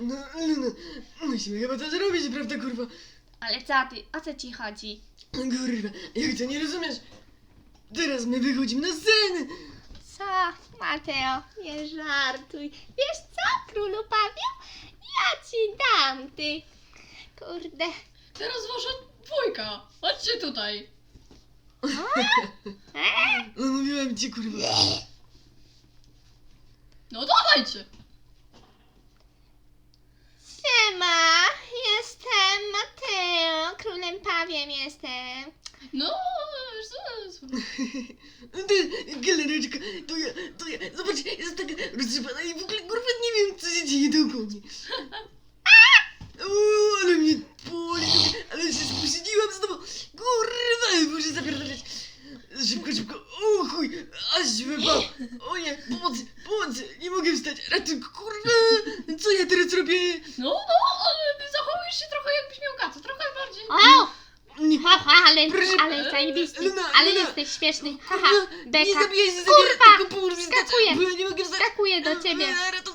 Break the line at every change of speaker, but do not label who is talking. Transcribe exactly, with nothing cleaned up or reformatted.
No, Luna, musimy chyba coś robić, prawda, kurwa?
Ale co ty, o co ci chodzi?
Kurwa, jak to nie rozumiesz? Teraz my wychodzimy na scenę!
Co, Mateo, nie żartuj. Wiesz co, królu Pawiu? Ja ci dam, ty. Kurde.
Teraz wasza dwójka. Chodźcie tutaj.
E?
No mówiłem ci, kurwa.
No dawajcie.
Siema, jestem Mateo, królem Pawiem jestem.
No, zaraz.
Ty, galereczka, to ja, to ja, zobacz, jest taka roztrzepana i w ogóle, kurwa, nie wiem, co się dzieje dookoła mnie. O, ale mnie boli, ale się spóźniłam znowu, kurwa, muszę zapierdalać. Szybko, szybko, o chuj, aż wypał, o nie, pomocy, pomocy, nie mogę wstać, ratunku, kurwa, co ja teraz robię?
No, no, ale zachowujesz się trochę jakbyś miał kaca, trochę bardziej.
O,
Nie,
haha, ale,
Proszę-
ale zajebisty,
Luna,
ale
Luna.
jesteś śmieszny. Haha,
kurwa, nie
beka,
zabijaj się,
Kurwa,
tylko pomóż mi wstać,
skakuję.
bo ja nie mogę wstać.
skakuję do ciebie.
Ratunku.